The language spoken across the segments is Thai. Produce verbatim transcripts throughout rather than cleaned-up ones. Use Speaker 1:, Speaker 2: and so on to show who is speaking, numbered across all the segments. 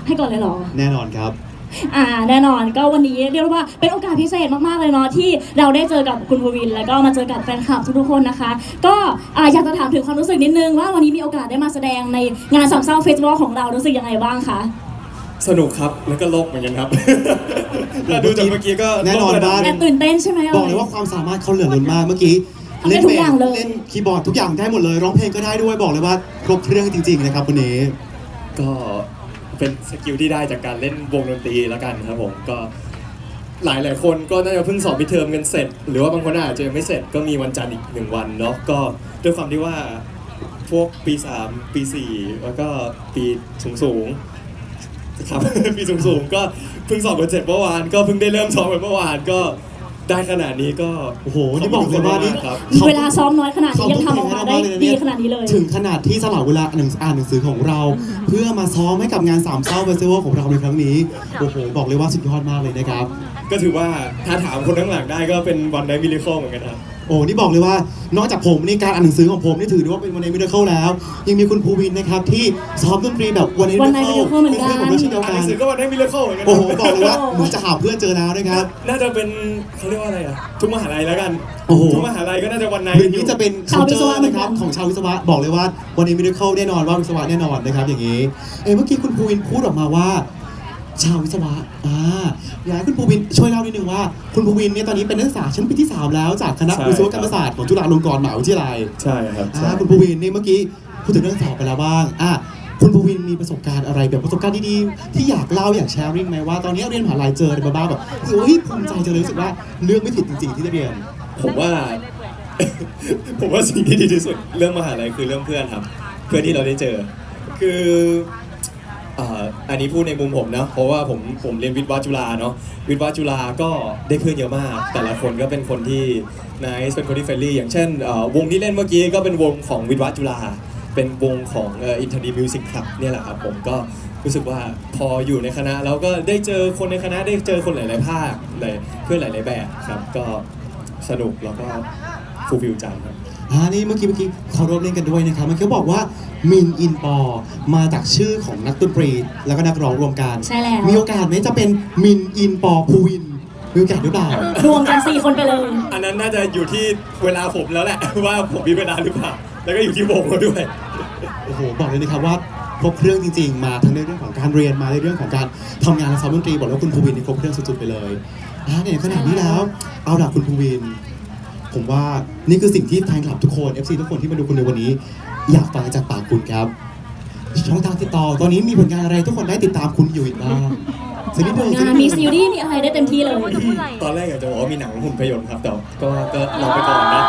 Speaker 1: ให้ก่อนเลยเหรอ
Speaker 2: แน่นอนครับ
Speaker 1: อ่าแน่นอนก็วันนี้เรียกว่าเป็นโอกาสพิเศษมากๆเลยเนาะที่เราได้เจอกับคุณภูวินแล้วก็มาเจอกับแฟนคลับทุกๆคนนะคะก็อ่าอยากจะถามถึงความรู้สึกนิดนึงว่าวันนี้มีโอกาสได้มาแสดงในงานสามเศร้าเฟสติวัลของเรารู้สึกยังไงบ้างคะ
Speaker 3: สนุกครับแล้วก็โลกเหมือนกันครับถ้าดูจากเมื่อกี้ก็
Speaker 2: แน่นอนบ้าง
Speaker 1: แอบตื่นเต้นใช่ไหม
Speaker 2: บอกเลยว่าความสามารถเขาเหลือล้นมากเมื่อกี้
Speaker 1: เล่นทุกอย่างเลย
Speaker 2: เล่นคีย์บอร์ดทุกอย่างได้หมดเลยร้องเพลงก็ได้ด้วยบอกเลยว่าครบเครื่องจริงๆนะครับวันนี้
Speaker 3: ก็เป็นสกิลที่ได้จากการเล่นวงดนตรีแล้วกันครับผมก็หลายหลายคนก็น่าจะเพิ่งสอบมิดเทอมกันเสร็จหรือว่าบางคนอาจจะยังไม่เสร็จก็มีวันจันทร์อีกหนึ่งวันเนาะก็ด้วยความที่ว่าพวกปีสามปีสี่แล้วก็ปีสูงสูงครับ ปีสูงสูงก็เพิ่งสอบกันเสร็จเมื่อวานก็เพิ่งได้เริ่มซ้อมกันเมื่อวานก็ได้ขนาดนี้ก็
Speaker 2: โอ้โหนี่บอกเลยว่านี่
Speaker 3: ครับ
Speaker 1: เวลาซ้อมน้อยขนาดนี้ยังทำออกมาได้ดีขนาดนี้เลย
Speaker 2: ถึงขนาดที่สละเวลาหนังอ่านหนังสือของเราเพื่อมาซ้อมให้กับงานสามเศร้าเฟสติวัลของเราในครั้งนี้โอ้โหบอกเลยว่าสุดยอดมากเลยนะครับ
Speaker 3: ก็ถือว่าถ้าถามคนข้างหลังได้ก็เป็นวันไนท์มิราเคิลเหมือนกันครับ
Speaker 2: โอ้นี่บอกเลยว่านอกจากผมในการอ่านหนังสือของผมนี่ถือว่าเป็นวันไนท์มิราเคิลแล้วยังมีคุณภูวินนะครับที่ซ้อมดนตรีแบบวันไนท์มิราเคิล
Speaker 1: เหมือนกัน
Speaker 2: ผมด้วยเช่นเดียวกัน
Speaker 3: หนังสือก็วันไนท์มิราเคิลเหมือนกัน
Speaker 2: โอ้โหบอกเลยว่าหนูจะหาเพื่อนเจอแล้วนะครับ
Speaker 3: น่าจะเป็นเขาเรียกว่าอะไรอ่ะทุกมหาลัยแล้วกัน
Speaker 2: โอ้โห
Speaker 3: ทุกมหาลัยก็น่าจะวันไนท์
Speaker 2: นี้จะเป็น
Speaker 1: ชาววิศวะ
Speaker 2: นะครับของชาววิศวะบอกเลยว่าวันไนท์มิราเคิลแน่นอนว่าวิศวะแน่นอนนะครับอย่างนี้เอ้เมื่อกี้คุณภูวินพูดออกมาว่าชาววิศวะอ่าอยากให้คุณภูวินช่วยเล่านิดนึงว่าคุณภูวินเนี่ยตอนนี้เป็นนักศึกษาชั้นปีที่สามแล้วจากคณะวิศวกรรมศาสตร์ของจุฬาลงกรณ์มหาวิทยาลัย
Speaker 3: ใช่ครับ
Speaker 2: อ่าคุณภูวินนี่เมื่อกี้พูดถึงเรื่องสอบไปแล้วบ้างอ่าคุณภูวินมีประสบการณ์อะไรแบบประสบการณ์ดีๆที่อยากเล่าอยากแชร์ริ่งไหมว่าตอนนี้เรียนมหาลัยเจออะไรมาบ้างแบบโอ้ยภูมิใจจังเลยรู้สึกว่าเลือกไม่ผิดจริงๆที่ได้เรียน
Speaker 3: ผมว่า ผมว่าสิ่งที่ดีที่สุดเรื่องมหาลัยคือเรื่องเพื่อนครับเพื่อนที่เราได้เจอคืออันนี้พูดในมุมผมนะเพราะว่าผมผมเรียนวิทย์วะจุฬาเนาะวิทย์วะจุฬาก็ได้เพื่อนเยอะมากแต่ละคนก็เป็นคนที่นายเป็นคนที่เฟรนลี่อย่างเช่นวงที่เล่นเมื่อกี้ก็เป็นวงของวิทย์วะจุฬาเป็นวงของอินเทอร์ดีมิวสิกคลับเนี่ยแหละครับผมก็รู้สึกว่าพออยู่ในคณะแล้วก็ได้เจอคนในคณะได้เจอคนหลายๆภาคเลยเพื่อนหลายๆแบบครับก็สนุกแล้วก็ฟูลฟิลใจครับ
Speaker 2: อ่านี่เมื่อกี้เมื่อกี้เขาร่วมเล่นกันด้วยนะครับเมื่อกี้บอกว่ามินอินปอมาจากชื่อของนักดนตรีแล้วก็นักร้องรวมกัน
Speaker 1: ใช่แล้ว
Speaker 2: มีโอกาสไหมจะเป็นมินอินปอภูวินมีโอกาสหรือเปล่าร
Speaker 1: วมกันสี่คนไปเลย
Speaker 3: อันนั้นน่าจะอยู่ที่เวลาผมแล้วแหละว่าผมมีเวลาหรือเปล่าแล้วก็อยู่ที่วงเราด้วย
Speaker 2: โอ้โหบอกเลยนะครับว่าครบเครื่องจริงๆมาทั้งในเรื่องของการเรียนมาในเรื่องของการทำงานและซ้อมดนตรีบอกแล้วคุณภูวินนี่ครบเครื่องสุดๆไปเลยอ่าเนี่ยขนาดนี้แล้วเอาล่ะคุณภูวินผมว่านี่คือสิ่งที่แฟนคลับทุกคน เอฟ ซี ทุกคนที่มาดูคุณในวันนี้อยากฟังจากปากคุณครับช่องทางติดต่อตอนนี้มีผลงานอะไรทุกคนได้ติดตามคุณอยู่อีกบ้าง
Speaker 1: งานมีซีรีส์มีอะไรได้เต็มที่เลย
Speaker 3: ตอนแรกอยากจะบอกว่ามีหนังหุ่นพยนต์ครับแต่ก็ก็รอไปก่อนนะ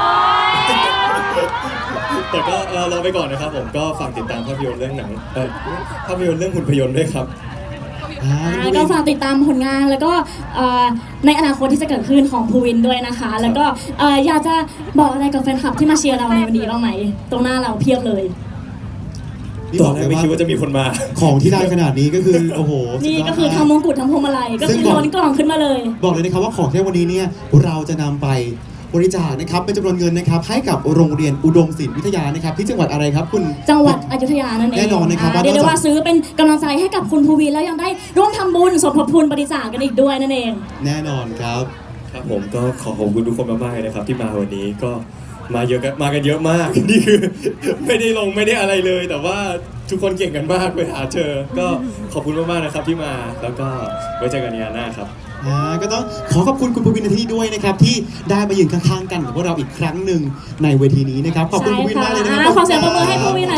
Speaker 3: แต่ก็รอไปก่อนนะครับผมก็ฝากติดตามภาพยนตร์เรื่องหนังเออภาพยนตร์เรื่องหุ่นพยนต์ด้วยครับ
Speaker 1: ก็ฝากติดตามผลงานแล้วก็ในอนาคตที่จะเกิดขึ้นของภูวินด้วยนะคะแล้วก็อยากจะบอกอะไรกับแฟนคลับที่มาเชียร์เราในวันนี้บ้างไหมตรงหน้าเราเพียบเลย
Speaker 3: ตอนแรกไม่คิดว่าจะมีคนมา
Speaker 2: ของที่ได้ขนาดนี้ก็คือโอ้โห
Speaker 1: นี่ก็คือทำมงกุฎทำพวงมาลัยก็คือล้นกล่องขึ้นมาเลย
Speaker 2: บอกเลยนะครับว่าของที่วันนี้เนี่ยเราจะนำไปบริจาคนะครับเป็นจำนวนเงินนะครับให้กับโรงเรียนอุดมศิลป์วิทยานะครับที่จังหวัดอะไรครับคุณ
Speaker 1: จังหวัดอยุธยานั่นเอง
Speaker 2: แน่นอนนะครับ
Speaker 1: เดี๋ยวว่าซื้อเป็นกำลังใจให้กับคุณภูวินแล้วยังได้ร่วมทำบุญสมทบทุนบริจาคกันอีกด้วยนั่นเอง
Speaker 2: แน่นอนครับ
Speaker 3: ครับผมก็ขอขอบคุณทุกคนมากๆเลยนะครับที่มาวันนี้ก็มาเยอะกันมากันเยอะมากนี่คือไม่ได้ลงไม่ได้อะไรเลยแต่ว่าทุกคนเก่งกันมากไปหาเจอก็ขอบคุณมากๆนะครับที่มาแล้วก็ไว้เจอกันในงานหน้าครับ
Speaker 2: อ่าก็ต้องขอขอบคุณคุณภูวินในที่ด้วยนะครับที่ได้มายืนข้างๆกันกับพวกเราอีกครั้งหนึ่งในเวทีนี้นะครับขอบคุณภูวินมากเลยนะครับ
Speaker 1: ขอเสียงปรบมือให้ภูวิน